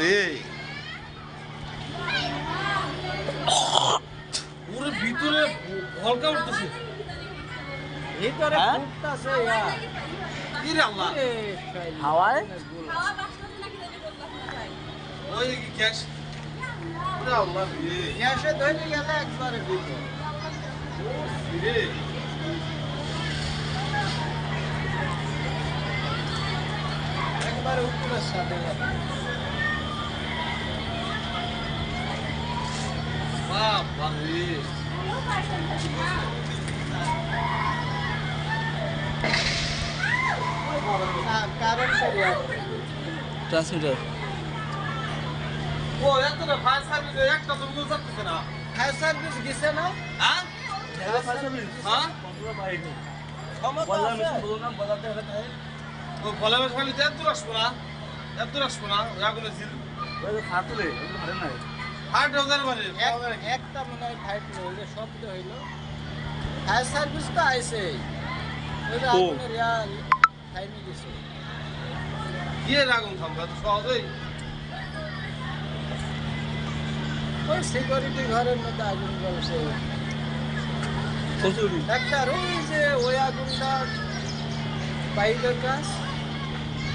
রে পুরো ভিতরে ভলকা উঠতেছে ভিতরে ফুটতাছে ইয়া কি রে আল্লাহ হাওয়ায় ওই কি গ্যাস রে আল্লাহ রে গ্যাসে ধরে গেলে একবারে দিব রে একবারে উপরের সাথে বাবা রে না কারেন্ট এরিয়া ট্রান্সমিটার ও এত না ফায়ার সার্ভিস একটা তো বুঝতে পারতেছ না ফায়ার সার্ভিস গেছে না হ্যাঁ হ্যাঁ ও ফলে খালি এত আসবো না এত আসবো না আগুনে ছিল হার্ট হাজার মানে একটা মনে হয় ফাইট হইলো শব্দ হইলো ফায়ার সার্ভিস তো আইছে ওইটা আগুনের রিয়াল ফাইনি গেছে গিয়ে আগুন থামবে এত সহজেই ওই সিকিউরিটি ঘরের মধ্যে আগুন জ্বলছে একটা ওই যে ওই আগুনটা পাইপের কাজ